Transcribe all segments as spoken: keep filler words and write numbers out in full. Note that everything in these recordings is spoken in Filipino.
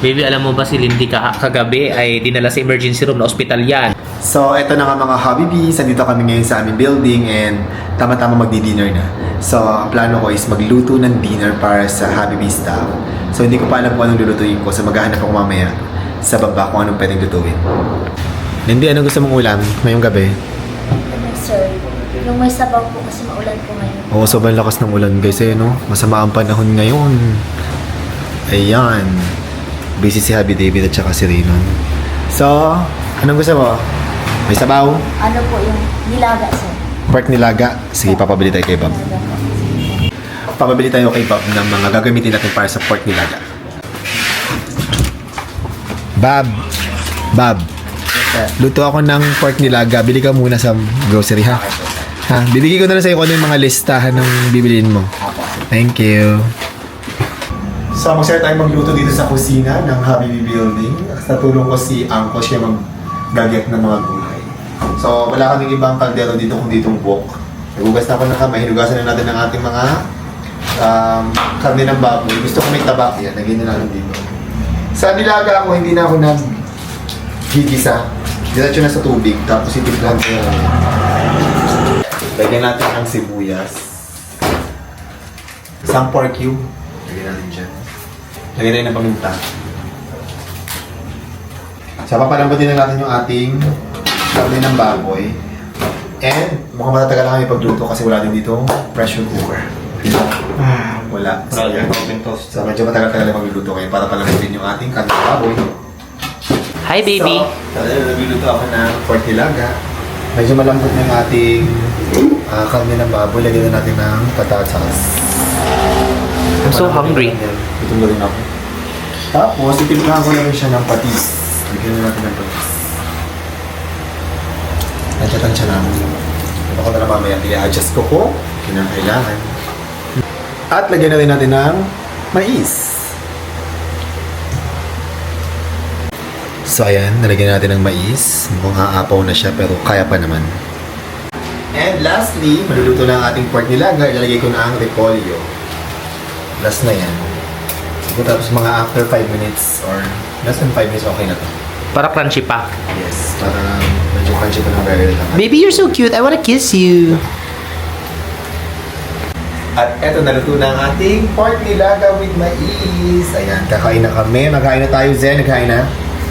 Baby, alam mo ba si Lindy ka kagabi ay dinala sa emergency room na ospital yan. So, eto na nga mga hobby bees. Nandito kami ngayon sa aming building and tama-tama magdi-dinner na. So, ang plano ko is magluto ng dinner para sa hobby bee staff. So, hindi ko pa alam kung anong lulutuin ko. So, maghahanap ako mamaya sa baba kung anong pwedeng lutuin. Lindy, anong gusto mong ulam ngayong gabi? Ano, sir? Yung may sabaw po kasi maulan po ngayon. Oo, sobrang lakas ng ulan guys eh, no? Masama ang panahon ngayon. Ayan. Busy si Happy David at saka si Rinon. So, anong gusto mo? May sabaw? Ano po yung nilaga, sir? Pork nilaga? Sige, papabili tayo kay Bob. Nilaga po. Papabili tayo kay Bob ng mga gagamitin natin para sa pork nilaga. Bob! Bob! Luto ako ng pork nilaga. Bili ka muna sa grocery, ha? Ha? Bibigay ko na lang sa'yo kung ano yung mga listahan ng bibiliin mo. Thank you. So, magsaya tayo magluto dito sa kusina ng Habibi Building. Sa tulong ko si Angko, siya mag-gagyak ng mga gulay. So, wala kaming ibang kaldero dito kung ditong wok. Nagugas na ako ng kamay. Hinugasan na natin ang ating mga um, karne ng baboy. Gusto ko may tabak yan. Lagyan na natin dito. Sa nilaga ako, hindi na ako nag-gigisa. Diretso na sa tubig. Tapos itimplahan ko yan. Lagyan natin ang sibuyas. Isang pork cube. Lagyan natin dyan. Lagyan natin ng paminta. So, papalambutin na natin yung ating karne ng baboy. And, mukhang matatagal na kami pagluto kasi wala din dito pressure cooker. Ah, wala. So, yan. So, medyo matagal-tagal na magluluto ngayon para palambutin yung ating karne ng baboy. Hi, baby. So, nagluluto ako ng pork nilaga. Medyo malambot na yung ating uh, karne ng baboy. Lagyan na natin ng patatas. I'm so hungry. Gutom na rin ako. Tapos, itimplahan ko na rin siya ng patis. Lagyan na natin ng patis. Nandiyan siya namin. Ito ko na lang mamaya. I-adjust ko kung kinakailangan. At lagyan na rin natin ng mais. So ayan, nalagyan natin ng mais. Mukhang aapaw na siya pero kaya pa naman. And lastly, maluluto na ang ating pork nilaga. Ilalagay ko na ang repolyo. Last na yan. Siguro tapos mga after five minutes or less than five minutes, okay na to. Para crunchy pa. Yes, para medyo crunchy pa ng very little. Baby, you're so cute. I wanna kiss you. At eto, naluto na ang ating pork nilaga with mais. Ayan, kakain na kami. Magkain na tayo, Zen. Nagkain na.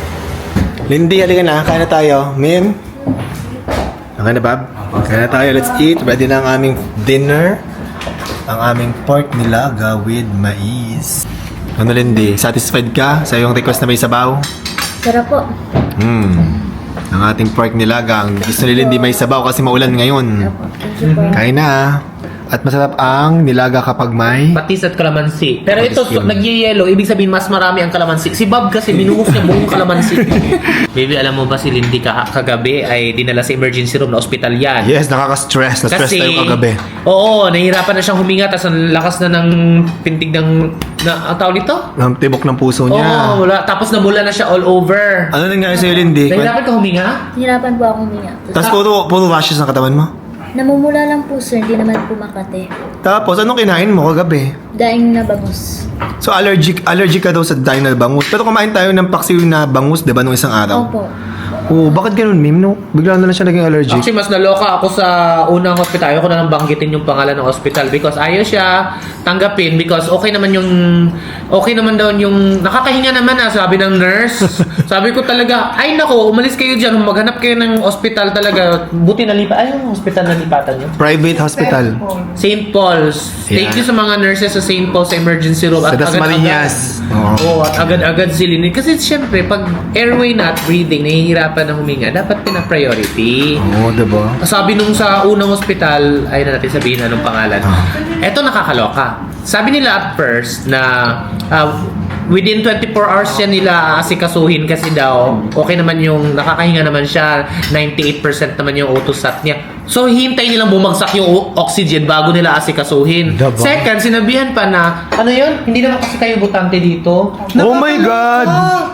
Lindy, halika na. Kain na tayo. Mim? Okay na, Bob? Kain na tayo. Let's eat. Ready na ang aming dinner. Ang aming pork nilaga with mais. Ano, Lindy? Satisfied ka sa iyong request na may sabaw? Sarap po. Hmm. Ang ating pork nilaga. Ang gusto ni Lindy may sabaw kasi maulan ngayon. Thank you po. Kain na. At masarap ang nilaga kapag may... Patis at kalamansi. Pero ito, Patis yun. nagyayelo. Ibig sabihin, mas marami ang kalamansi. Si Bob kasi, binuhos niya buong kalamansi. Baby, alam mo ba si Lindy ka kagabi ay dinala sa emergency room na ospital yan. Yes, nakaka-stress. Na-stress tayo kagabi. Oo, nahihirapan na siyang huminga. Tapos ang lakas na ng pintig ng... Na, ang tawag nito? Ang tibok ng puso Oo, niya. wala. Tapos namula na siya all over. Ano nangyari sa'yo, Lindy? Nahihirapan ka huminga? Hirapan po akong huminga. Tapos puro, puro rashes ang katawan mo? Namumula lang po, sir. Hindi naman po makate. Tapos, anong kinain mo kagabi? Daing na bangus. So, allergic allergic ka daw sa daing na bangus. Pero kumain tayo ng paksiw na bangus, di ba, nung isang araw? Opo. Oo, bakit ganun, Mim? No? Bigla na lang siya naging allergic. Actually, mas naloka ako sa unang hospital. Ayoko na nang banggitin yung pangalan ng hospital because ayaw siya tanggapin because okay naman yung okay naman daw yung nakakahinga naman ah, sabi ng nurse. Sabi ko talaga, ay nako, umalis kayo dyan, maghanap kayo ng hospital talaga. Buti nalipa, ay yung hospital na lipatan nyo. Private hospital. Saint Paul's. Thank Yeah. you sa mga nurses sa Saint Paul's emergency room. Sa Dasmariñas. Oo. Oh, at agad-agad silinin. Kasi syempre, pag airway na at breathing, nahihirapan na huminga, dapat pina-priority. Oo, di ba? Sabi nung sa unang ospital, ay na natin sabihin anong pangalan. Eto nakakaloka. Sabi nila at first na uh, within twenty-four hours siya nila asikasuhin kasi daw okay naman yung nakakahinga naman siya, ninety-eight percent naman yung autosat niya. So hintay nilang bumagsak yung o- oxygen bago nila asikasuhin. Diba? Second, sinabihan pa na ano yun? Hindi naman kasi kayo butante dito. Oh my God!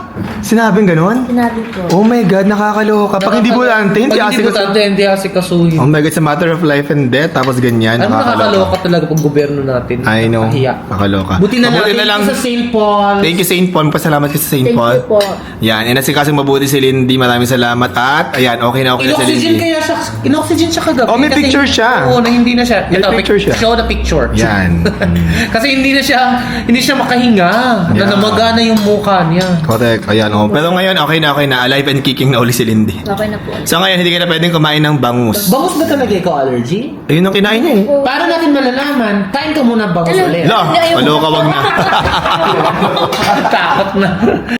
Sinabing ganon? Sinabi ko. Oh my God, nakakaloka. Pag hindi bulante, hindi Pag hindi asik. butante, hindi asikasuhin. Oh my God, sa matter of life and death, tapos ganyan, Ano nakakaloka nakakaloka. talaga pag gobyerno natin? I know. Nakahiya. Nakakaloka. Buti na lang, Mabuti thank you sa Saint Paul. Thank you Saint Paul. Pasalamat ka sa Saint Thank Paul. you po. Yan, inasikaso mabuti si Lindy. Maraming salamat. At, ayan, okay na okay na si In-oxygen Lindy. kaya siya, in-oxygen siya kagabi. Oh, may kasi- picture siya. Oo, na hindi na siya. May Ito, picture siya. Show the picture. Yan. Kasi hindi na siya, hindi siya makahinga. Yeah. Nanamaga na yung mukha niya. Correct. Ayan, oh. Pero ngayon, okay na, okay na. Alive and kicking na uli si Lindy. Okay na po. So ngayon, hindi ka na pwedeng kumain ng bangus. Bangus ba talaga ikaw allergy? Ayun ang kinain niya eh. Para natin malalaman, kain ka muna bangus Ano? ulit. La, Ayaw. kaloka wag na. Takot na.